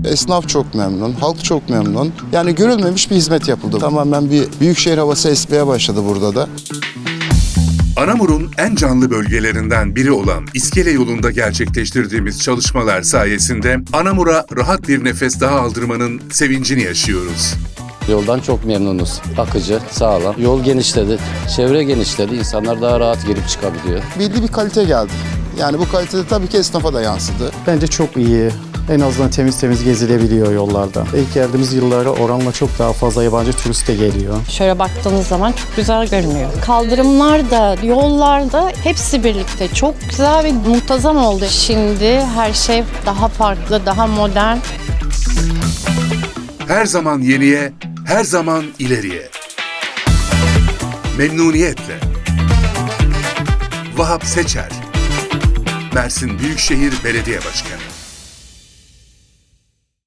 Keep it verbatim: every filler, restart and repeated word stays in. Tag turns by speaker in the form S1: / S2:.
S1: Esnaf çok memnun, halk çok memnun. Yani görülmemiş bir hizmet yapıldı. Tamamen bir büyükşehir havası esmeye başladı burada da.
S2: Anamur'un en canlı bölgelerinden biri olan İskele yolunda gerçekleştirdiğimiz çalışmalar sayesinde Anamur'a rahat bir nefes daha aldırmanın sevincini yaşıyoruz.
S3: Yoldan çok memnunuz. Akıcı, sağlam. Yol genişledi, çevre genişledi. İnsanlar daha rahat girip çıkabiliyor.
S1: Belli bir kalite geldi. Yani bu kalite de tabii ki esnafa da yansıdı.
S4: Bence çok iyi. En azından temiz temiz gezilebiliyor yollarda. İlk geldiğimiz yıllara oranla çok daha fazla yabancı turist de geliyor.
S5: Şöyle baktığınız zaman çok güzel görünüyor. Kaldırımlar da, yollar da hepsi birlikte çok güzel ve muntazam oldu. Şimdi her şey daha farklı, daha modern.
S2: Her zaman yeniye, her zaman ileriye. Memnuniyetle. Vahap Seçer, Mersin Büyükşehir Belediye Başkanı.